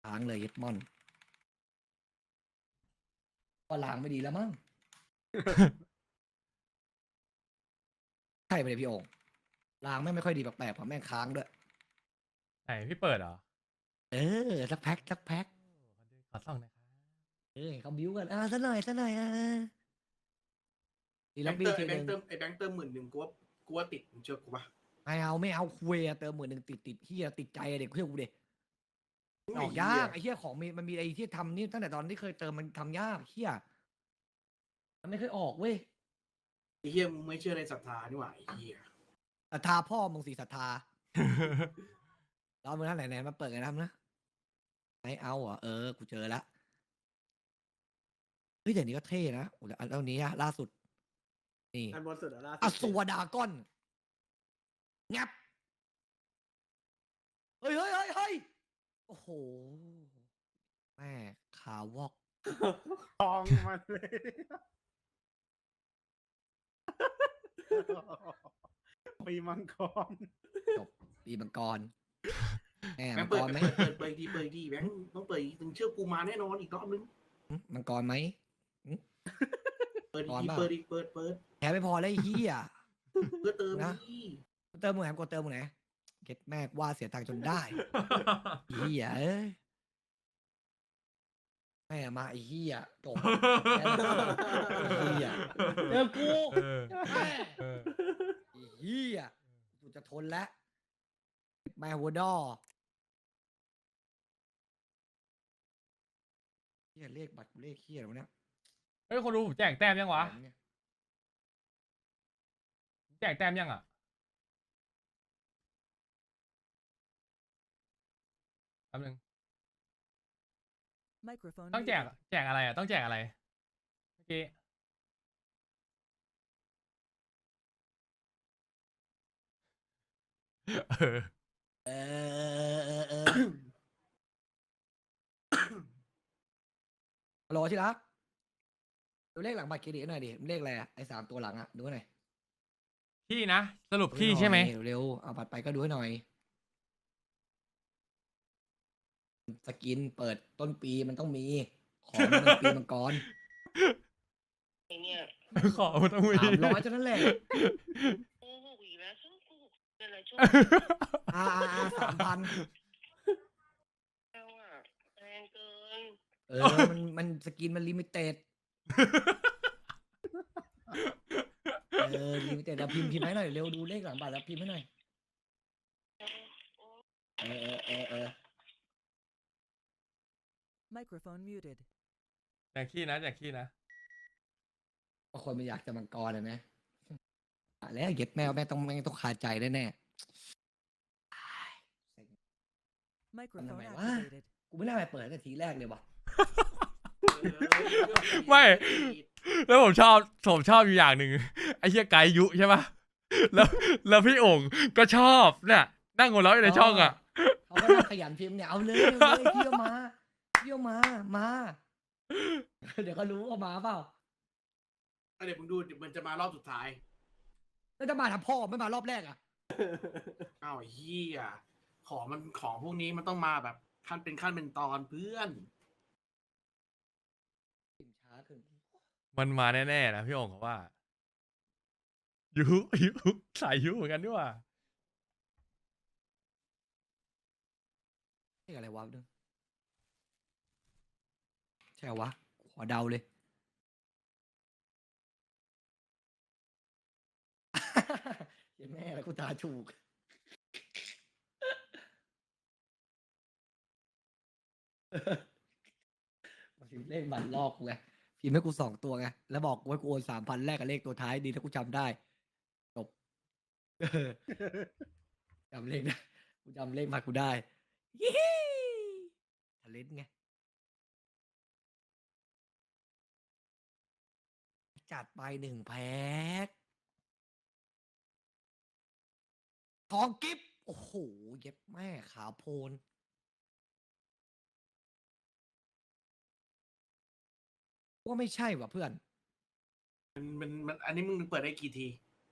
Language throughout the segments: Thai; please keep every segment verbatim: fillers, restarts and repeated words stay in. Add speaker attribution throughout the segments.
Speaker 1: ค้างเลยเย็ดมอนก็ล้างไม่ดีแล้วมั้ง ใช่ไปเลยพี่โอ่งล้างแม่งไม่ค่อยดีแปลกๆเพราะแม่งค้างด้วย
Speaker 2: ไหนพี่เปิดเหรอ
Speaker 1: เออสักแพ็คสักแพ็ค
Speaker 2: ขอส่องหนะครับ
Speaker 1: เออเขาบิ้วกันอ่าซะหน่อยซะหน่อยอ่าดี
Speaker 3: แบ
Speaker 1: ล็อบ
Speaker 3: งค์
Speaker 1: บี้
Speaker 3: เติม
Speaker 1: ที
Speaker 3: ไอ้แบ
Speaker 1: ห
Speaker 3: ง
Speaker 1: นึ่ง
Speaker 3: ค์เติมไอ้แบงค์เติมหมื่นหนึ่งกูว่ากูว่าติดมึงเชื่อกูปะ
Speaker 1: ไม่เอาไม่เอาคุยอะเติมหมื่นหนึ่งติดติดเฮียติดใจอะเด็กเพื่อนกูเด็กออกยากไอ้เฮียของมีมันมีไอ้ที่ทำนี่ตั้งแต่ตอนที่เคยเติมมันทำยากเฮียมันไม่เคยออกเว้ย
Speaker 3: ไอ้เหี้ยมึงไม่เชื่อในศรัทธานี่หว่าไอ้เหี้ย
Speaker 1: ศรัทธาพ่อมึงสิศรัทธาแล้วมึงนั่นไหนไหนมาเปิดกันทำนะไม่เอาเหรอ่ะเออกูเจอแล้วเฮ้ยแต่นี้ก็เท่นะโอ้แล้วอันนี้อะล่าสุดนี่
Speaker 3: อันบนสุดอะล่าสุด
Speaker 1: อสูรดากอนงับเฮ้ยเฮ้ยเฮ้ยเฮ้ยโอ้โหแม่ขาวอก
Speaker 3: ทองมันเลย ปีมังกร
Speaker 1: จบปีมังกรแม่
Speaker 3: แบ
Speaker 1: มั
Speaker 3: ง
Speaker 1: ง
Speaker 3: ค์
Speaker 1: ก
Speaker 3: เปิด
Speaker 1: รไหม
Speaker 3: เปิดเปิดเปิดดีเปิดดีแบงค์ต้องเปิดอีกมึงเชื่อกูมาแน่นอนอีกรอบนึง
Speaker 1: หึมังกรไหม
Speaker 3: เปิด
Speaker 1: ก่อน
Speaker 3: อีก
Speaker 1: เปล่า
Speaker 3: เปิดอีกเปิดเปิด
Speaker 1: แพ้ไม่พอเลยไอ้เฮีย
Speaker 3: เพื่อเติม
Speaker 1: นะ
Speaker 3: นี่
Speaker 1: เติมมือไหนกดเติมมือไหนเก็ตแม่กว่าเสียตังค์จนได้ไอ้เฮียเอ้ยแม่มาไอ้เฮียจบแพ้แล้วไอ้เฮียเจอกู
Speaker 2: เออ
Speaker 1: แม่
Speaker 2: เออ
Speaker 1: ไอ้เฮียกูจะทนแล้วแม่หัวดอเฮียเลขบัตรเลขเฮียอะไรวะเนี่ย
Speaker 2: เฮ้ยคนดูผมแจกแต้มยังวะ
Speaker 1: อะไรเนี่ย
Speaker 2: แจกแต้มยังอ่ะแป๊บนึง
Speaker 4: Microphone
Speaker 2: ต้องแจก
Speaker 4: muted.
Speaker 2: แจกอะไรอ่ะ ต้องแจกอะไร เมื่อกี้ เออ
Speaker 1: เออเออเออฮัลโหลที่รักดูเลขหลังบัตรเครดิตหน่อยดิเลขอะไรอะไอ้สามตัวหลังอะดูให้หน่อย
Speaker 2: พี่นะ สรุป
Speaker 1: ดู
Speaker 2: พี่
Speaker 1: น่อย
Speaker 2: ใช่ไหม
Speaker 1: เร็วๆเอาบัตรไปก็ดูให้หน่อย สกินเปิดต้นปีมันต้องมี ของมันปีมังกร
Speaker 5: ไอเนี่ย
Speaker 2: ขอมาต้องมี
Speaker 1: สามร้อยเท่านั้นแหละ
Speaker 5: โกหกอีกแล้วช่วงโกหกอะไรช่วง
Speaker 1: อ่าอ่าสามพัน
Speaker 5: เราอะแพงเกิน
Speaker 1: เออ มันมันสกินมันลิมิเต็ด เออ ลิมิเต็ดแล้วพิมพ์พิมพ์ให้หน่อย เร็วดูเลขหลังบัตรแล้วพิมพ์ให้หน่อย เออเออเออเออ
Speaker 4: Microphone muted.
Speaker 2: แจกขี้นะแจกขี้นะ
Speaker 1: บางคนมันอยากจะมังกรเลยไหมอ่ะแล้วเก็บแมวแม่งต้องแม่งต้องคาใจแน่แน่
Speaker 4: Microphone
Speaker 1: mày quá.
Speaker 4: activated.
Speaker 1: ๆกูไม่น่าไปเปิดตั้งแต่ทีแรกเลยว่ะ
Speaker 2: ไม่ แล้วผมชอบผมชอบอยู่อย่างหนึ่งไอ้เหี้ยไกด์ยุใช่ปะแล้วแล้วพี่โอ่งก็ชอบเนี่ยนั่งหัวเราะอยู่ในช่องอ่ะ
Speaker 1: เขาก็น่าขยันพิมพ์เนี่ย เอาเลยเอาเลยพี่เอามาพี่เอามา มา เดี๋ยวก็รู้ว่ามาเปล่า
Speaker 3: เดี๋ยวมึงดูเดี๋ยวมันจะมารอบสุดท้าย
Speaker 1: แล้วจะมาทำพ่อไม่มารอบแรกอ่ะ
Speaker 3: อ้าวไอ้เหี้ยของมันของพวกนี้มันต้องมาแบบขั้นเป็นขั้นเป็นตอนเพื่อน
Speaker 1: พิมพ์ช้าขึ้น
Speaker 2: มันมาแน่ๆนะพี่โอ่งเขาว่ายุยุสายยุเหมือนกันด้วยว่า
Speaker 1: เลขอะไรวะนึงใช่เหรอวะ ขอเดาเลย เห็นแม่แล้วกูตาถูก พิมพ์เลขบัตรลอกกูไงพิมพ์ให้กูสองตัวไง แล้วบอกกูให้กูโอนสามพันแรกกับเลขตัวท้ายดีถ้ากูจำได้ จบ เออจำเลขได้กูจำเลขมากูได้ยี่ฮีทะเลนไง จัดไปหนึ่งแพ็คทองกิฟโอ้โห เย็บแม่ขาวโพลนว่าไม่ใช่ว่ะเพื่อน
Speaker 3: มันมันมันอันนี้มึงเปิดได้กี่ที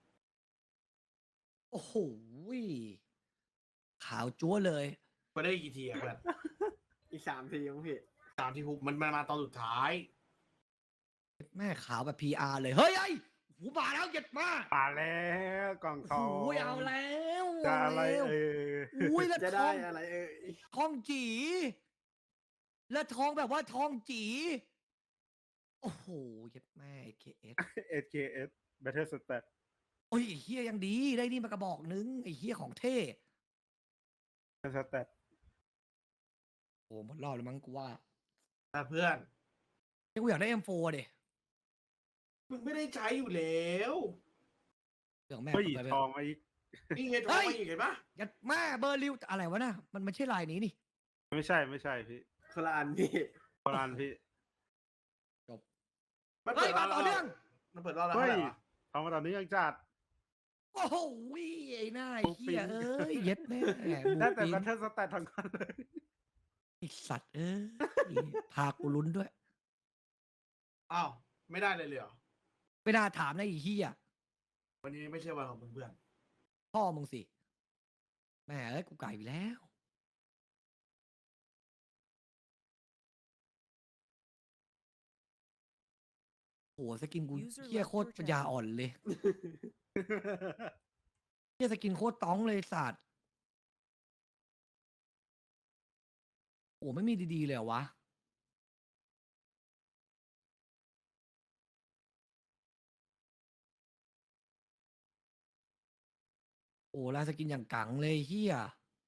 Speaker 1: โอ้โห ขาวจั๊วเลย
Speaker 3: เปิดได้กี่ทีอะเพื่อน
Speaker 6: อีกสามทีมั้งพี่
Speaker 3: ตามที่ฮุกมันมาตอนสุดท้าย
Speaker 1: แม่ขาวแบบ พี อาร์ เลย เฮ้ยไอ้หูบาแล้วเหย็ดมา
Speaker 6: ป่าแล้วกล่องทอง
Speaker 1: โอ้ยเอาแล้ว
Speaker 6: จะอะไร
Speaker 1: เาแล้ว
Speaker 6: เออ
Speaker 1: อุ้ยแล้ว
Speaker 6: จะ
Speaker 1: ท
Speaker 6: ได้
Speaker 1: อง
Speaker 6: อะไรเออ
Speaker 1: ทองจีแล้วทองแบบว่าทองจีโอ้โหเย็ดแม่เคเอส
Speaker 6: เอสเคเอส Battle Stat
Speaker 1: โอ้ยไอ้เฮียยังดีได้นี่มากระบอกนึงไอ้เฮียของเท่
Speaker 6: Stat
Speaker 1: โอ้หมดรอบแล้วมั้งกูว่า
Speaker 3: แต่เพื่อน
Speaker 1: นี่กูอยากได้ เอ็ม โฟร์ ดิ
Speaker 3: มึงไม่ได้ใช้อยู่แล้ว
Speaker 1: เรื่องแม่
Speaker 6: เฮ้ย
Speaker 1: ไปไป
Speaker 6: ทองมาอีก
Speaker 3: นี่ไงโทร
Speaker 1: เฮ้ย
Speaker 3: มาอีกเห็นปะ
Speaker 1: ยัดแม่เบอร์ริวอะไรวะน่ะมันไม่ใช่ลายนี้นี่
Speaker 6: ไม่ใช่ไม่ใช่พี่คนละอันพี่คนละอันพี่
Speaker 3: มัน
Speaker 1: เฮ้
Speaker 3: เปิ
Speaker 1: ย
Speaker 3: ด
Speaker 1: มา
Speaker 3: ร้าน
Speaker 1: ต่อเนื่อง
Speaker 3: มันเปิดร้านแล้ว
Speaker 6: เฮ้
Speaker 3: เท่าย ไหร่วะ
Speaker 6: ทองมาตอนนี้ยังจัด
Speaker 1: โอ้โหไอ้หน้าไอ้
Speaker 6: ปุ๊บ
Speaker 1: เฮีย
Speaker 6: ปิ๊ง
Speaker 1: เอ้ยเย็ดแม่บู
Speaker 6: ได้แต่
Speaker 1: ปิน
Speaker 6: Battle Stat ทั้งนั้นเลย
Speaker 1: ไอสัตว์เอ้ยพากูลุ้นด้วย
Speaker 3: อ้าวไม่ได้เลยเลยเหรอ
Speaker 1: ไม่น่าถามนะไอ้เฮีย
Speaker 3: วันนี้ไม่ใช่วันของมึงเพื่อน
Speaker 1: พ่อมึงสิแม่เอ้ยกูไก่ไปแล้วโอ้โหสกินกู
Speaker 4: User
Speaker 1: เฮีย
Speaker 4: left
Speaker 1: โคตร
Speaker 4: your
Speaker 1: ปัญญา
Speaker 4: channel
Speaker 1: อ่อนเลยเฮียสกินโคตรต้องเลยสัตว์โอ้ไม่มีดีๆเลยเหรอวะโอ้ลายสกินอย่างกังเลยเฮีย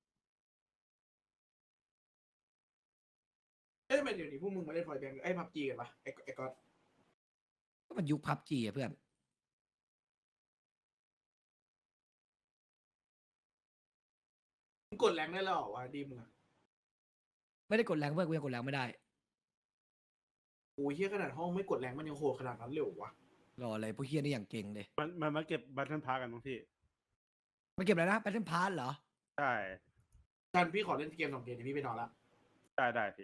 Speaker 3: เอ้ยทำไมเดี๋ยวนี้พวกมึงมาเล่นฟอยแบงค์ไอ้พับจีกันปะไอ้ไอ้ก๊อต
Speaker 1: ก็มันยุคพับจีอะเพื่อน
Speaker 3: มึงกดแรงได้แล้วเหรอวะดีมึงอะ
Speaker 1: ไม่ได้กดแรงเพื่อนกูยังกดแรงไม่ได้
Speaker 3: โอ้ยเฮียขนาดห้องไม่กดแรงมันยังโหดขนาดนั้นเลยเหรอวะ
Speaker 1: รออะไรพวกเฮียนี่อย่างเก่งเลย
Speaker 6: มันมันมาเก็บ Battle Pass กันมั้งพี่
Speaker 1: มาเก็บอะไรนะแพทเทิร์นพาร์เหรอ
Speaker 6: ใช่
Speaker 3: กันพี่ขอเล่นเกมสองเกมเดี๋ยวพี่ไปนอนละ
Speaker 6: ได้ได้พี่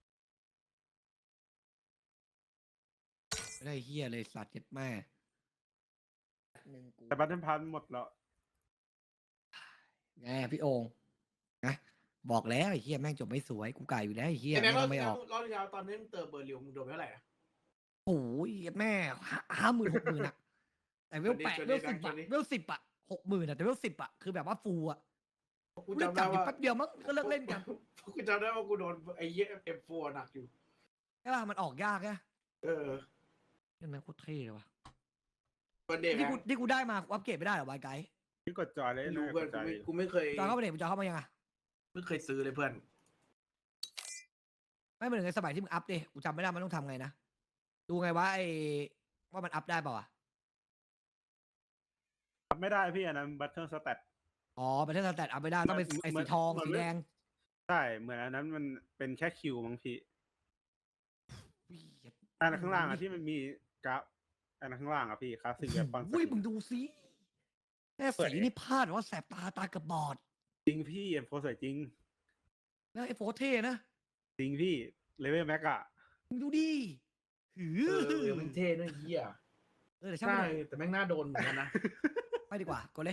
Speaker 1: ไม่ได้เฮียเลยสัตว์เจ็ดแม่หนึ่งกู
Speaker 6: แต่ Battle Pass หมดแล้ว
Speaker 1: แงพี่โองนะบอกแล้วไอ้เฮียแม่งจบไม่สวยกูไก่อยู่แล้วไอ้เฮีย
Speaker 3: ไอ้แบ
Speaker 1: แม่
Speaker 3: ง
Speaker 1: ง
Speaker 3: ค์
Speaker 1: ก็ไม่ออก
Speaker 3: รอบที่แล้วตอนนี้มึงเติมเบอร์ริวมึงโดนไปเท่าไหร่อะ
Speaker 1: โอ้ยแม่ห้าหมื่นหกหมื่นอะแต่เวลแปด
Speaker 3: ชวน
Speaker 1: เว
Speaker 3: ดิ
Speaker 1: ลสิบ
Speaker 3: ชว
Speaker 1: อะ
Speaker 3: นดิ
Speaker 1: เวลสิบอะหกหมื่นอะแต่เวลสิบอะคือแบบว่าฟูอะ
Speaker 3: กู
Speaker 1: กูได้
Speaker 3: จำ
Speaker 1: จั
Speaker 3: ได้
Speaker 1: บอยู่
Speaker 3: ว่า
Speaker 1: แป๊บเดียวมั้งก็เลิกเล่นกัน
Speaker 3: กูจำได้ว่ากูโดนไอ้เหี้ยเอ็มโฟหนักอยู่
Speaker 1: ใช่ป่ะมันออกยากอะ
Speaker 3: เออ
Speaker 1: นี่แม่งโคตรเท่เลยว่ะ
Speaker 3: วันเดย์
Speaker 1: ที่
Speaker 3: แบ
Speaker 1: กู
Speaker 3: งค์
Speaker 1: ที่กูได้มากูอัปเกรดไม่ได้เหรอวายไกด์
Speaker 6: พี่กดจอยเลย
Speaker 3: ไม่
Speaker 6: นะ
Speaker 3: รู้
Speaker 6: ก
Speaker 3: เพื่อน
Speaker 6: ดจอย
Speaker 3: กูไม่เคย
Speaker 1: จอยเข้ามาเด็กจอยเข้ามายังอะ
Speaker 3: ไม่เคยซื้อเลยเพื่อน
Speaker 1: ไม่เหมือนในสมัยที่มึงอัพดิกูจำไม่ได้มันต้องทำไงนะ ดูไงว่าไอ้ว่ามันอัพได้เปล่าอ่ะ
Speaker 6: ทำไม่ได้พี่อันนั้น Battle Stat
Speaker 1: อ๋อเป็นเทสแตทอัพไม่ได้ต้องเป็น
Speaker 6: มัน
Speaker 1: ไอ้
Speaker 6: มั
Speaker 1: สี
Speaker 6: น
Speaker 1: ทอง
Speaker 6: มัน
Speaker 1: สี
Speaker 6: ไม่
Speaker 1: แดง
Speaker 6: ใช่เหมือนอันนั้นมันเป็นแค่คิวมั้งพี่
Speaker 1: อุ้ย
Speaker 6: อันนั้นข้างล่างอะที่มันมีกราฟอันนั้นข้างล่างอะพี่คลาสสิกแบบปัง
Speaker 1: อุ้ยมึงดูสิแม่สีนี่พลาดว่าแสบตาตาเกับบอด
Speaker 6: จริงพี่เอ็มโฟสวยจริง
Speaker 1: แล้วไอ้โฟเท่นะ
Speaker 6: จริงพี่เลเวลแม็กอะ
Speaker 1: มึงดูดิหือ
Speaker 3: เออเออมันเท่ด้วยเหี้ย
Speaker 1: เออเดี๋ยวช่าง
Speaker 3: ใช่
Speaker 1: มันเถอะ
Speaker 3: แต่แม่งน่าโดนเหมือนกันนะ
Speaker 1: ไปดีกว่ากดเลย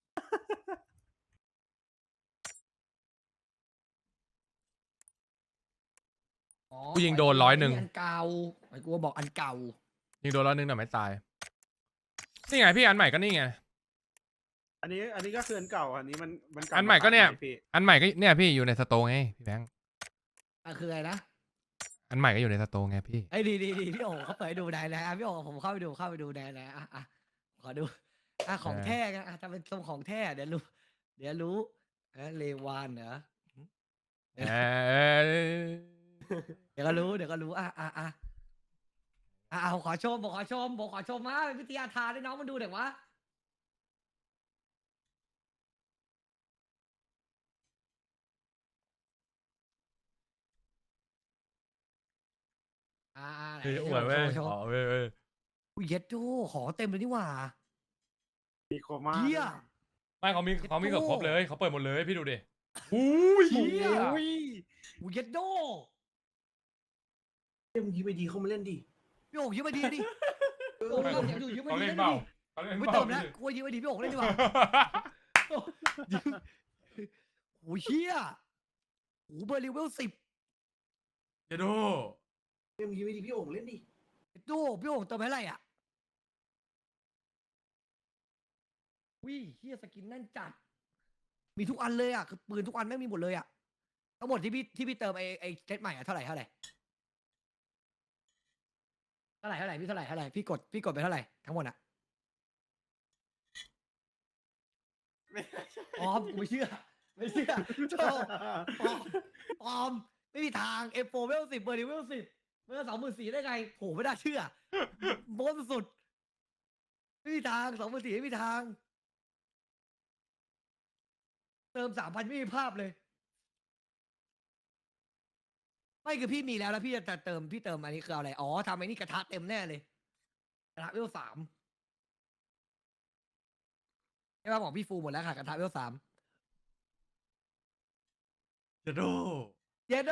Speaker 1: อ๋อ
Speaker 2: กูยิงโดนร้อยหนึ่ง
Speaker 1: อันเก่าไอ้กูบอกอันเก่า
Speaker 2: ยิงโดนร้อยหนึ่งแต่ไม่ตาย นี่ไงพี่อันใหม่ก็นี่ไง
Speaker 6: อันนี้อันนี้ก็คืออันเก่าอันนี้มันมันเา
Speaker 2: อันใหม่ก็เนี่ย
Speaker 6: าพี่
Speaker 2: อันใหม่ก็เนี่ยพี่อยู่ในสโตร์ไงพี่แบงค์
Speaker 1: อ่ะคืออะไรนะ
Speaker 2: อันใหม่ก็อยู่ในสโตร์ไงพี่
Speaker 1: ไอ้ยดีดีดีพี่โอ๋เขาเปิดให้ดูได้แล้วอ่ะพี่โอ๋ผมเข้าไปดูเข้าไปดูได้แล้วอ่ะอ่ะขอดูอ่ะของ
Speaker 2: เออ
Speaker 1: แท้กันอ่ะจะเป็นทรงของแท้เดี๋ยวรู้ เดี๋ยวรู้เอะเลวานเหรอ
Speaker 2: เออ
Speaker 1: เดี๋ยวก็รู้เดี๋ยวก็รู้อ่ะอ่ะอ่ะอ่ะอ่ะผมขอชมผมขอชมผมขอชมมาเป็นวิทยาทานให้น้องมันดูเดี๋ยววะอ่าอ่าไหน
Speaker 2: พี่
Speaker 1: โช
Speaker 2: อวด
Speaker 1: ว์
Speaker 2: เว้ย
Speaker 1: โชว์
Speaker 2: อ๋อเว้ยเว้ย
Speaker 1: อุ้ยเย็ดโจ้ของเต็มเลยนี่หว่า
Speaker 6: มีโคม่า
Speaker 1: เฮีย
Speaker 2: ไม่เขามีเขามีเกือบครบเลยเขาเปิดหมดเลยพี่ดูดิหูย
Speaker 1: เหี้ย
Speaker 6: อุ้ย
Speaker 1: อุ้ยเย็ดโจ้
Speaker 3: เฮ้ยมึงยิ้มไปดีเข้ามาเล่นดิ
Speaker 1: พี่โอ๋ยืมมาดีดิโอ้ยเราอยากอยู่ยืมมา
Speaker 2: เขา
Speaker 1: ดี
Speaker 2: เล่น
Speaker 1: เล่น
Speaker 2: เปล่า
Speaker 1: ดิ
Speaker 2: เขาเล่น
Speaker 1: ไม่
Speaker 2: เป
Speaker 1: เติ
Speaker 2: ล่าม
Speaker 1: แล้ว
Speaker 2: พี่
Speaker 1: กูว่ายืมมาดีพี่โอ๋เล่นดีกว่ายืมโอ้ยเฮียโอ้เบอร์ลิเวลสิบ
Speaker 2: เจโด
Speaker 3: เรื่องนี้ไม่ดีพี่โอ่งเล่นดิ
Speaker 1: ดูพี่โอ่งเติมให้อะไรอ่ะวิเฮียสกินแน่นจัด มีทุกอันเลยอ่ะคือปืนทุกอันไม่งมีหมดเลยอ่ะทั้งหมดที่พี่ที่พี่เติมไอไอเซตใหม่อ่ะเท่าไหร่เท่าไหร่เท่าไหร่เท่าไหร่พี่เท่าไหร่เท่าไหร่พี่กดพี่กดไปเท่าไหร่ทั้งหมดอ่ะ
Speaker 6: ไม่ใช่
Speaker 1: ออมกูไม่เชื่อ ไม่เชื่อโธ่ออมออมไม่มีทางเอฟโฟเวลสิบเบอร์ดิเวลสิบเบอร์สองหมื่นสี่ได้ไงโหไม่น่าเชื่อโม้สุดๆไม่มีทางสองหมื่นสี่ไม่มีทาง เติมสามพันไม่มีภาพเลย ไม่คือพี่มีแล้วแล้วพี่จะเติมพี่เติมอันนี้คือเอาอะไรอ๋อทำไอ้นี่กระทะเต็มแน่เลยกระทะเวลสามใช่ป่ะบอกพี่ฟูหมดแล้วค่ะกระทะเวลสาม
Speaker 2: เจโด
Speaker 1: เยโด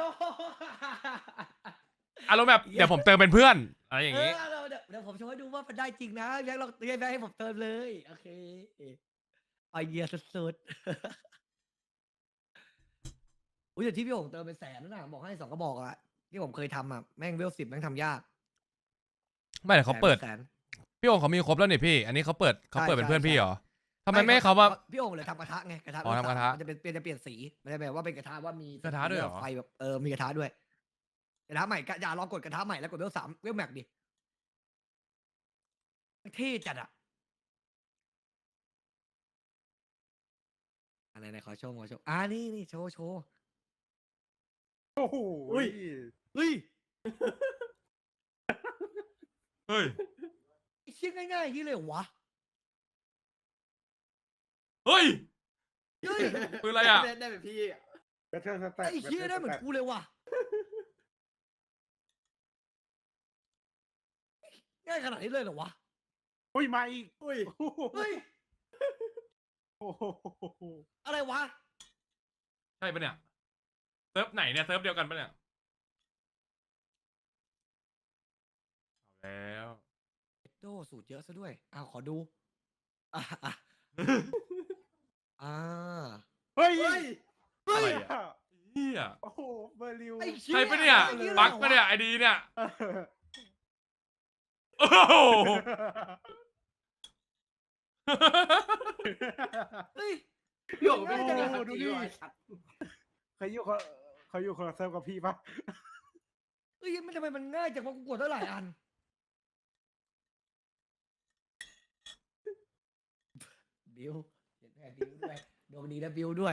Speaker 2: อารมณ์แบบเดี๋ยวผมเติมเป็นเพื่อนอะไรอย่าง
Speaker 1: เอ
Speaker 2: งี้
Speaker 1: อเดี๋ยวเดี๋ยวเดี๋ยวผมโชว์ให้ดูว่ามันได้จริงนะแบงค์ลองแบงค์ให้ผมเติมเลยโอเคไอเดียสุดๆอุ้ยแต่ที่พี่โอ่งเติมเป็นแสนนะบอกให้สองกระบอกอะที่ผมเคยทำอะแม่งเวลสิบแม่งทำยาก
Speaker 2: ไม่แต่เขาเปิด
Speaker 1: แสน
Speaker 2: พี่โองค์เขามีครบแล้วนี่พี่ อันนี้เขาเปิดเขาเปิด
Speaker 1: ใช่
Speaker 2: เป็นเพื่อน
Speaker 1: ใช่
Speaker 2: พี่เหรอทำไมไม่ให้เขาว่า
Speaker 1: พี่โอ่งเลยทำกระทะไงกระทะ
Speaker 2: อ๋อทำกระทะ
Speaker 1: มันจะเป็นเปลี่ยนจะเปลี่ยนสีมันจะแบบว่าเป็นกระทะว่ามี
Speaker 2: กระทะด้วยเหรอ
Speaker 1: ไฟแบบเออมีกระทะด้วยกระทะใหม่กะอย่าลองกดกระทะใหม่แล้วกดเวลสามเวลแม็กดิเท่จัดอะอะไรไหนขอโชว์ขอโชว์อ่านี่นี่โชว์โชว์
Speaker 6: โอ้โห
Speaker 1: อุ้ย เฮ้ย
Speaker 2: เฮ้ย
Speaker 1: ไอ้เชี่ยง่ายๆอย่างนี้เลยเหรอวะ
Speaker 2: เฮ้ย
Speaker 1: เฮ้ย
Speaker 2: ปืนอะไรอ่ะ
Speaker 6: ได้ได้แบบพี่แบทเทิลสแต็ก
Speaker 1: ไอ้เชี่ยได้เหมือนกูเลยว่ะง่ายขนาดนี้เลยเหรอวะ
Speaker 6: อุ้ยมาอีกอุ้ย
Speaker 1: เฮ้ย
Speaker 6: โอ้โห
Speaker 1: อะไรวะ
Speaker 2: ใช่ปะเนี่ย เซิร์ฟไหนเนี่ย เซิร์ฟเดียวกันปะเนี่ยเอาแล้ว
Speaker 1: โดสูตรเยอะซะด้วยอ้าวขอดูอ่าอ่ะอ่า
Speaker 6: เฮ้ย
Speaker 1: เฮ้ย
Speaker 2: อะไรอ่ะเฮีย
Speaker 6: โอ้โหเบอร์ลิว
Speaker 1: ไอ้เชี่ย
Speaker 2: ใช่ปะเนี่ย
Speaker 1: ไอ้หี้
Speaker 2: บั๊กปะเนี่ยไอดีเนี่ย โอ้โห
Speaker 1: เฮ้ย
Speaker 3: พี่โอ่งไม่
Speaker 1: ง่าย
Speaker 3: ได้
Speaker 1: จัง
Speaker 3: เลย
Speaker 1: อะ
Speaker 3: ดูดิไอ้สัตว์
Speaker 6: เขาอยู่คนเขาอยู่คนละเซิร์ฟกับพี่ปะ
Speaker 1: เฮ้ยมันทำไมมันง่ายจังวะกูกดตั้งหลายอันบิวเห็นแม่บิวด้วยดวงดีนะบิวด้วย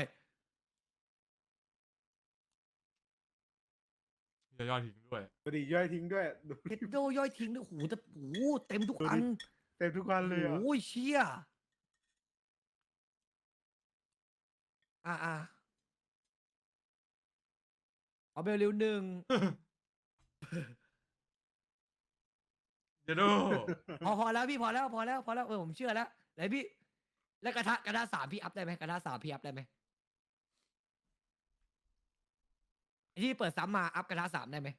Speaker 2: จะยอดทิ้งด้วย
Speaker 6: ดูดิย่อยทิ้งด้วยดู
Speaker 1: เฮดโดย่อยทิ้งด้วยโอ้โหแต่โอ้โหเต็มทุกอัน
Speaker 6: เต็มทุกวันเลยอ่ะ
Speaker 1: โอ้ยเชี่ยอ่าอ่าเอาเบลลิวหนึ่ง
Speaker 2: เจโด
Speaker 1: พอพอแล้วพี่พอแล้วพอแล้วพอแล้วเออผมเชื่อแล้วไหนพี่แล้วกระทะกระทะสามพี่อัพได้ไหมกระทะสามพี่อัพได้ไหมไอ้ที่เปิดซ้ำมาอัพกระทะสามได้ไหม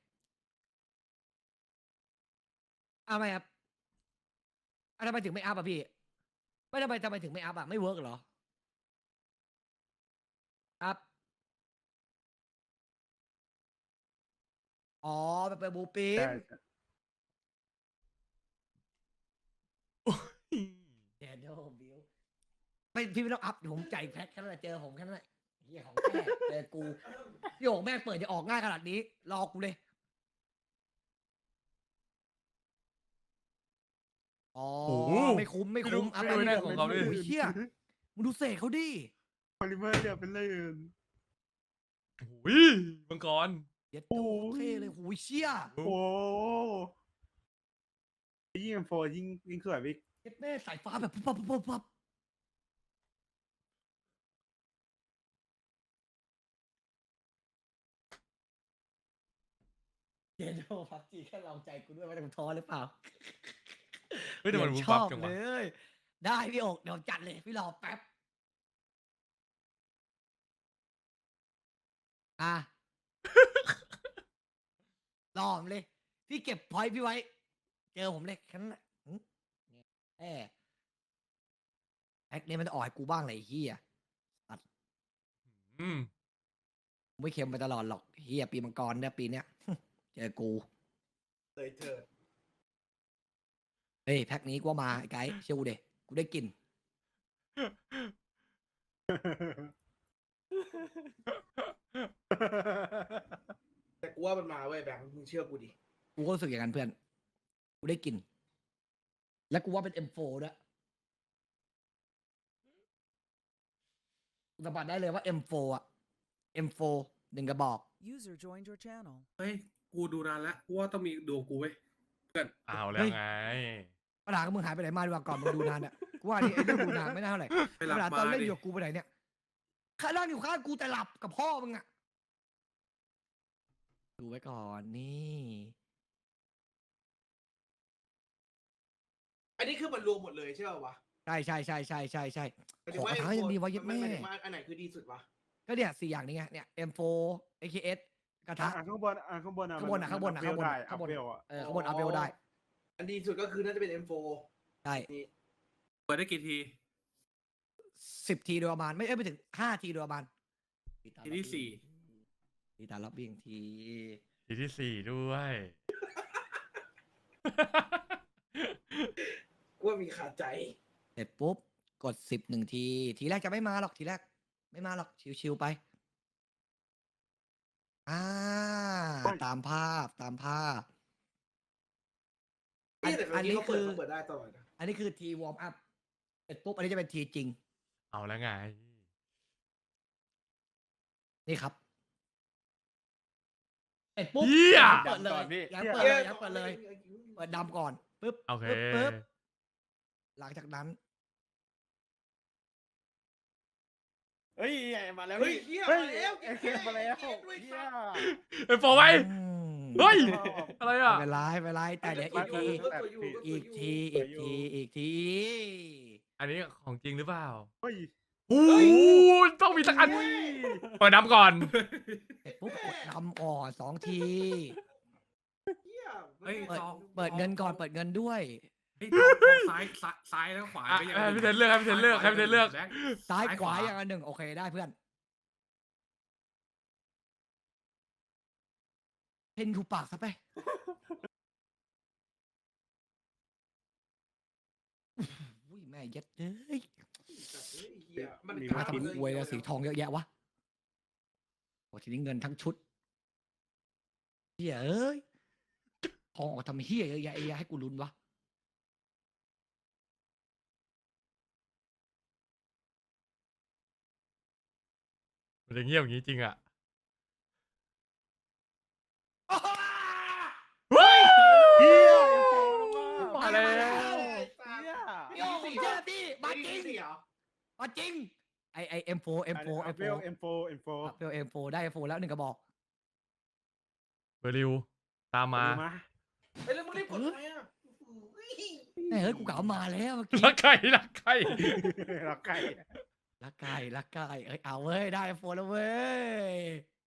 Speaker 1: อ้าวไม่อัพอ้าวทำไมถึงไม่อัพอ่ะพี่ไม่ทำไมทำไมถึงไม่อัพอ่ะไม่เวิร์กเหรออัพอ๋อแบบเป็นบูปิน
Speaker 6: ใช่ใช่
Speaker 1: เดโดบิวไม่พี่ไม่ต้องอัพเดี๋ยวผมจ่ายแพ็คแค่นั้นแหละเจอผมแค่นั้นแหละเฮียของแท้เจอกูพี่โอ่งแม่งเปิดจะออกง่ายขนาดนี้รอกูเลยอ๋อ
Speaker 2: โอ้โห
Speaker 1: ไม่คุ้มไม่
Speaker 2: ไม่รู้
Speaker 1: คุ้มอัพ
Speaker 2: ไม่รู้
Speaker 1: ไป
Speaker 2: แน่
Speaker 1: ไม่
Speaker 2: ของเขาดิ
Speaker 1: โอ้ยเชี่ยมึงดูเสกเขาดิ
Speaker 6: พอลิเมอร์เรียบเป็นเลย
Speaker 2: โอ้ยมังกร
Speaker 1: เย็ดโตเท่เลยโอ้ยเชี่ย
Speaker 6: โอ้โหยิ่งเอ็มโฟยิ่งยิ่งสวยพี่
Speaker 1: เย็ดแม่สายฟ้าแบบปุ๊บปั๊บปุ๊บปั๊บปั๊บเย็ดโดพับจีแค่เราใจกูด้วยว่าจะท้อหรือเปล่า
Speaker 2: เฮ้ยแต่มัน
Speaker 1: เดี๋
Speaker 2: วุ้
Speaker 1: ย
Speaker 2: บ
Speaker 1: ช
Speaker 2: ปั๊
Speaker 1: อ
Speaker 2: บบ จังวะ
Speaker 1: เลย ได้พี่โอกเดี๋ยวจัดเลย พี่รอแป๊บ อ่ะ รอผมเลย พี่เก็บพอยต์พี่ไว้ เจอผมเลยแค่นั้นแหละหึแอแอคเนี่ยมันจะอ่อยกูบ้างเลยไอ้เฮีย
Speaker 2: อืม
Speaker 1: กูไม่เค็มไปตลอดหรอกเฮียปีมังกรเนี่ยปีเนี้ยเจอกู
Speaker 3: เลยเถิด
Speaker 1: เฮ้ยแพ็คนี้กูว่ามาไอ้ไกด์เชื่อกูเด็กูได้กลิน
Speaker 3: แต่กูว่ามันมาเว้ยแบงค์มึงเชื่อกูดิ
Speaker 1: กูก็รู้สึกอย่างนั้นเพื่อน กูได้กลิน และกูว่าเป็น เอ็ม โฟร์ ด้วยกูสัมผัสได้เลยว่า เอ็ม โฟร์ อ่ะ เอ็ม โฟร์ หนึ่งกระบอก
Speaker 4: User joined your channel.
Speaker 7: เฮ้ย กูดูนานแล้วกูว่าต้องมีดวงกูเว้ย
Speaker 2: เอาแล้
Speaker 1: เฮ้
Speaker 2: วย ไง
Speaker 1: ปัญหาของมึงหายไปไหนมาดีกว่าก่อนมึงดูนานอ่ะ กูว่านี่ไอ้เรื่องดูนานไม่น่าเท่าไหร่
Speaker 7: ไปหลับ
Speaker 1: ปัญหาตอน
Speaker 7: มา
Speaker 1: เล่น
Speaker 7: ดิ
Speaker 1: อยู่กับกูไปไหนเนี่ยข้านั่งอยู่ข้างกูแต่หลับกับพ่อมึงอ่ะ ดูไว้ก่อนนี่
Speaker 3: อันนี้คือมันรวมหมดเลยใช่ป่าวะ
Speaker 1: ใช่ใช่ใช่ใช่ใช่ใช่
Speaker 3: หมาย
Speaker 1: ข
Speaker 3: ถึ
Speaker 1: อง
Speaker 3: ว่
Speaker 1: กระทะยังดีวะ
Speaker 3: M
Speaker 1: เย็ด
Speaker 3: โฟร์
Speaker 1: แม่
Speaker 3: หมายถึงว่าอันไหนคือดีสุดวะ
Speaker 1: ก็เนี่ยสี่อย่างนี้ไงเนี่ย เอ็ม โฟร์ เอ เค เอส กระทะ
Speaker 6: อ่ะข้างบนอ่ะข้างบนอ่ะ
Speaker 1: ข้างบนอ่ะ
Speaker 6: มั
Speaker 1: ข้างบนอ่ะ
Speaker 6: อัพเวล
Speaker 1: ข้างบน
Speaker 6: ได้
Speaker 1: ข้างบน
Speaker 6: อัพเวลอ่ะ
Speaker 1: เออข้างบนอัพเวลได้
Speaker 3: อันดีสุดก็คือน่าจะเป็น เอ็ม โฟร์
Speaker 1: ใช่
Speaker 7: เปิดได้กี่ที
Speaker 1: สิบทีโดยประมาณ ไม่เอ้ยไม่ถึงห้าทีโดยประมาณ
Speaker 7: ทีที่สี่
Speaker 1: ทีตาลับวิ่งที
Speaker 2: ทีที่สี่ด้วย
Speaker 3: กูว่ามีขาดใจ
Speaker 1: เสร็จปุ๊บ กดสิบหนึ่งที ทีแรกจะไม่มาหรอก ทีแรก ไม่มาหรอก ชิวๆไป อ่า ตามภาพ ตามภาพ อัน
Speaker 3: นี่แต่
Speaker 1: อันนี้
Speaker 3: เขาเปิ
Speaker 1: คื
Speaker 3: ด
Speaker 1: อ
Speaker 3: เขาเปิดได้ตลอดนะ
Speaker 1: อันนี้คือทีวอร์มอัพ เสร็จปุ๊บ อันนี้จะเป็นทีจริง
Speaker 2: เอาแล้วไง
Speaker 1: นี่ครับ เสร็จปุ๊บ
Speaker 2: เหี้ย
Speaker 1: เปิดเลยยังเปิดเลยยังเปิดเลย เปิดดำก่อน ปึ๊บ
Speaker 2: โอเค
Speaker 1: ปึ๊บปึ๊บหลังจากนั้น
Speaker 6: เฮ้ยมาแล้ว
Speaker 3: เฮ้ย
Speaker 6: นี่
Speaker 3: เฮีย
Speaker 6: เฮ้ย
Speaker 3: มาแล้ว
Speaker 6: เอเคมาแล้ว
Speaker 3: เกมด้วย
Speaker 6: เฮี
Speaker 3: สั
Speaker 6: ย
Speaker 3: ตว์
Speaker 2: เอ็มโฟร์ไว้
Speaker 1: อืม
Speaker 2: เฮ้ย อะไรอ่ะ
Speaker 1: ไม่เป็นไรไม่เป็นไรแต่เดี๋ยวอีกที อีกที อีกที อีกที
Speaker 2: อันนี้ของจริงหรือเปล่า
Speaker 6: เฮ้ย
Speaker 2: โอ้โหต้องมีสักอันเปิดน้ำก่อน
Speaker 1: เสร็จปุ๊บกดดำก่อนสองที
Speaker 3: เฮีย
Speaker 7: เฮ้ย
Speaker 1: เปิด
Speaker 7: ซอง
Speaker 1: เปิดเงินก่อน เปิดเงินด้วย
Speaker 7: เฮ้ยซองซองซ้ายซ้ายซ้ายแล้วขวา
Speaker 2: อ่ะ
Speaker 7: ก็ยัง
Speaker 2: ให้พี่เทนเลือกให้พี่เทนเลือกให้พี่เทนเลือก
Speaker 7: แบงค์
Speaker 1: ซ้ายขวาอย่างละหนึ่งโอเคได้เพื่อน เพนถูกปากซะไป อุ้ยแม่เย็ดเลย
Speaker 3: เฮียมัน
Speaker 6: มี
Speaker 1: มาทำอวยแล้วสีทองเยอะแยะวะโอ้ทีนี้เงินทั้งชุดเฮียเอ้ยทองออกทำเฮียเยอะแยะไอ้เหี้ยให้กูลุ้นวะ
Speaker 2: มันจะเงียบอย่างนี้จริงอ่ะ
Speaker 6: เฮีย
Speaker 2: มาแล้ว
Speaker 6: เฮีย
Speaker 1: โย่ผมเชื่อพี่มาจริง
Speaker 3: เหรอ
Speaker 1: มาจริง ไอไอเอ็มโฟเอ็มโฟ
Speaker 6: อั
Speaker 1: เอ็
Speaker 6: พ
Speaker 1: ม
Speaker 6: เว
Speaker 1: โฟ
Speaker 6: ลเอ็มโฟเอ็มโฟ
Speaker 1: เอ็มโฟได้เอ็มโฟแล้วหนึ่งกระบอก
Speaker 2: เบอร์ริว ตามมา
Speaker 6: มา
Speaker 3: เฮ้ยแล้วมึงรีบกดทำไมอ่ะ
Speaker 1: แม่เฮ้ยกูกล่าวมาแล้วเมื่อกี้
Speaker 2: ลักไก่ลักไก่
Speaker 6: รักไก่
Speaker 1: ลักไก่ลักไก่เอ้ยเอาเว้ยได้เอ็มโฟแล้วเว้ย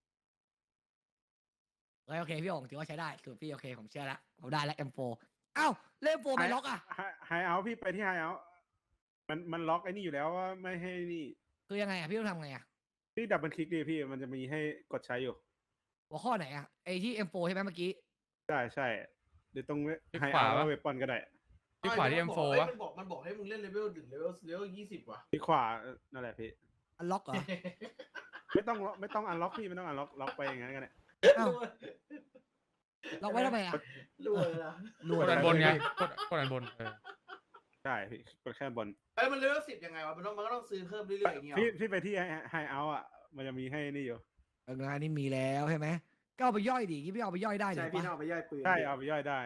Speaker 1: เฮ้ยโอเคพี่องถือว่าใช้ได้สูตรพี่โอเคผมเชื่อละผมได้แล้วเอ็มโฟเอ้าเล่มโฟไม่ล็อกอ่ะ
Speaker 6: ไฮเอาพี่ไปที่ไฮเอามันมันล็อกไอ้นี่อยู่แล้วว่าไม่ให้นี่
Speaker 1: คือยังไงอ่ะพี่ต้องทำไงอ่ะ
Speaker 6: พี่ดับเบิลคลิกดิพี่มันจะมีให้กดใช้อยู่
Speaker 1: หัวข้อไหนอ่ะไอที่เอ็มโฟใช่ไหมเมื่อกี้
Speaker 6: ใช่ใช่หรือตรง
Speaker 2: คลิก
Speaker 6: ไฮ
Speaker 2: ขวา
Speaker 6: เอา
Speaker 2: ปะ
Speaker 6: เวปอนก็ได้
Speaker 2: ที่ขวาที่ เอ็ม โฟร์
Speaker 3: เอ้ยว
Speaker 2: ะ
Speaker 3: มันบอกมันบอกให้มึงเล่นเลเวลถึงเลเวลเลเวลยี่สิบว่ะ
Speaker 6: ที่ขวานั่นแหละพี่
Speaker 1: อันล็อกเหรอ
Speaker 6: ไม่ต้องล็อกไม่ต้องอันล็อกพี่ไม่ต้องอันล็อกล็อกไปอย่างนั้นก็ได้
Speaker 1: อ้าวล็อกไว้ทำไมอ่ะ
Speaker 3: รวยละ
Speaker 1: รว
Speaker 2: ก
Speaker 1: ย
Speaker 2: ดอันบนไงกดกดอันบนเออ
Speaker 6: ใช่พี่กดแค่บน
Speaker 3: เอ้ยมันเลเวลสิบยังไงวะมันต้องมันก็ต้องซื้อเพิ่มเรื่อยๆอย่างเงี้ย
Speaker 6: พี่พี่ไปที่ไฮเอาอ่ะมันจะมีให้นี่อยู่
Speaker 1: เอองานนี้มีแล้วใช่ไหมก็เอาไปย่อยดิที่พี่เอาไปย่อยได้เดี๋
Speaker 3: ใช่
Speaker 1: ยว
Speaker 3: พี่
Speaker 1: ปะ
Speaker 3: น้องไปย่อยปืน
Speaker 6: ใช่เอาไปย่อยได้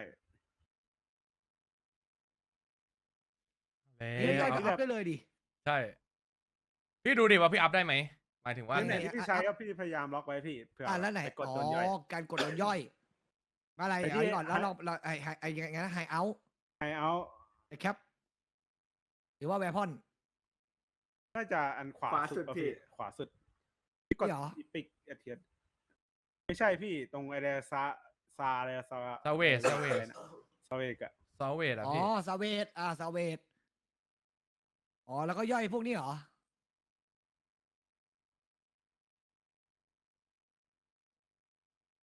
Speaker 1: นี่ย่อย
Speaker 2: แล้
Speaker 1: ก็
Speaker 2: ว
Speaker 1: อัพได้เลยดิ
Speaker 2: ใช่ พี่ดูดิว่าพี่อัพได้ไหมหมายถึงว่า
Speaker 1: อันไหน
Speaker 6: ที่พี่ใช้ก็พี่พยายามล็อกไว้พี่เผื่อ
Speaker 1: อ่าแล้วไหน
Speaker 6: ปกด
Speaker 1: อ๋อ
Speaker 6: โดนย่อย
Speaker 1: การกดโดนย่อยอะไร
Speaker 6: ไอ้
Speaker 1: เดี๋
Speaker 6: ที่
Speaker 1: ยวก่อนแล้วเราเราไอไอไอยังไงนะไฮเอา
Speaker 6: ไฮเอา
Speaker 1: ไอแคปหรือว่าแวพอน
Speaker 6: น่าจะอันขวา
Speaker 3: ขวาสุด
Speaker 6: ป่ะ
Speaker 3: พี่
Speaker 6: ขวาสุดพี่กด
Speaker 1: นี่เหรอ
Speaker 6: อีปิกเอเทียนไม่ใช่พี่ตรงไอเดซาซาอะไรซา
Speaker 2: ซาเวสซาเวส
Speaker 6: ซาเวกอะ
Speaker 2: ซาเวสอ่ะ
Speaker 1: อ๋อ
Speaker 2: พี่
Speaker 1: ซาเวตอ่าซาเวตอ๋อแล้วก็ย่อยพวกนี้เหรอ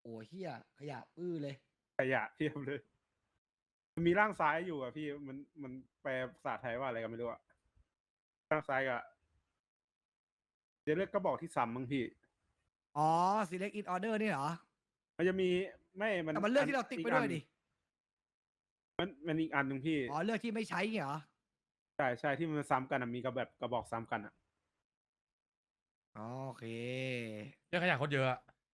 Speaker 1: อ้เฮียขยะอื้อเลย
Speaker 6: ขยะเทียบเลย มันมีร่างซ้ายอยู่อ่ะพี่มันมันแปลภาษาไทยว่าอะไรกันไม่รู้อ่ะร่างซ้ายกับเดี๋ยวเลือกกระบอกที่ซ้ำมั้งพี่
Speaker 1: อ๋อ select in order นี่เหรอ
Speaker 6: มันจะมีไม่มัน
Speaker 1: แต่มันเลือกที่เราติ๊กไปด้วยดิ
Speaker 6: มันมันอีกอันหนึ่งพี่
Speaker 1: อ๋อ เลือกที่ไม่ใช้เงี้ยเหรอ
Speaker 6: ใช่ใช่ที่มันซ้ำกันอะมีกระแบบกระบอกซ้ำกันอ่ะ
Speaker 1: อ๋อโอเค
Speaker 2: เรื่องขยะโคตรเยอะอะ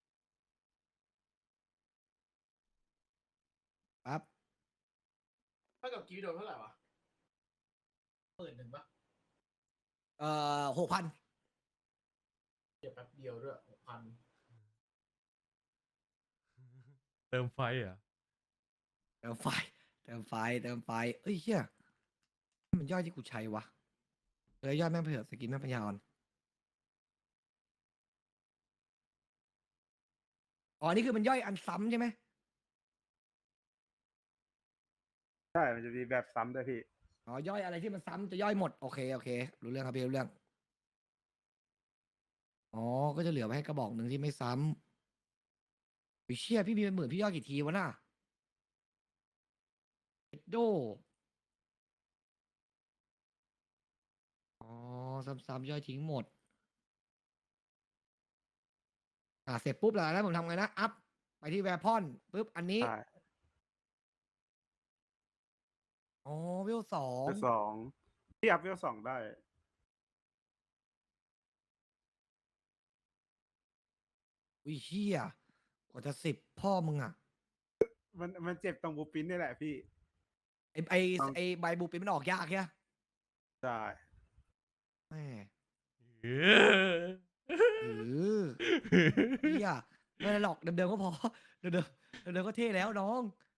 Speaker 1: ครับ
Speaker 3: ถ้ากับกีโดนเท่าไหร่วะหมื่นหนึ่งปะ
Speaker 1: เอ่อหกพัน
Speaker 3: เดี๋ยวแป๊บเดียวด้วยหกพัน
Speaker 2: เติมไฟเหรอ่ะ
Speaker 1: เติมไฟ เติมไฟ เติมไฟ เอ้ยเฮียนี่มันย่อยที่กูใช้วะเลยย่อยแม่งเผื่อสกินแม่งปัญญาอ่อนอ๋อ นี่คือมันย่อยอันซ้ำใช่ไหม
Speaker 6: ใช่ มันจะมีแบบซ้ำด้วยพี่
Speaker 1: อ๋อย่อยอะไรที่มันซ้ำจะย่อยหมด โอเค โอเค รู้เรื่องครับพี่รู้เรื่อง อ๋อ ก็จะเหลือไว้ให้กระบอกหนึ่งที่ไม่ซ้ำวิเชี่ยพี่มีเป็นหมื่นพี่ย่อยกี่ทีวะน่ะเอ็ดโด อ๋อ ซ้ำๆย่อยทิ้งหมด อ่าเสร็จปุ๊บแล้วนะผมทำไงนะ อัพ ไปที่แวร์พอนปุ๊บ อันนี้
Speaker 6: ใช่
Speaker 1: อ๋อเวลสอง
Speaker 6: เวลสองที่อัพเวลสองได้
Speaker 1: วิเชี่ยกว่าจะสิบพ่อมึงอ่ะ
Speaker 6: มันมันเจ็บตรงบูปินนี่แหละพี่
Speaker 1: ไอไอ
Speaker 6: เอา
Speaker 1: ไอใบบูปินมันออกยากแค่
Speaker 6: ใช่
Speaker 1: แม่
Speaker 2: เออ
Speaker 1: เออเฮียไม่เป็นไรหรอกเดิมๆก็พอ เดิมๆเดิมๆก็เท่แล้วน้อง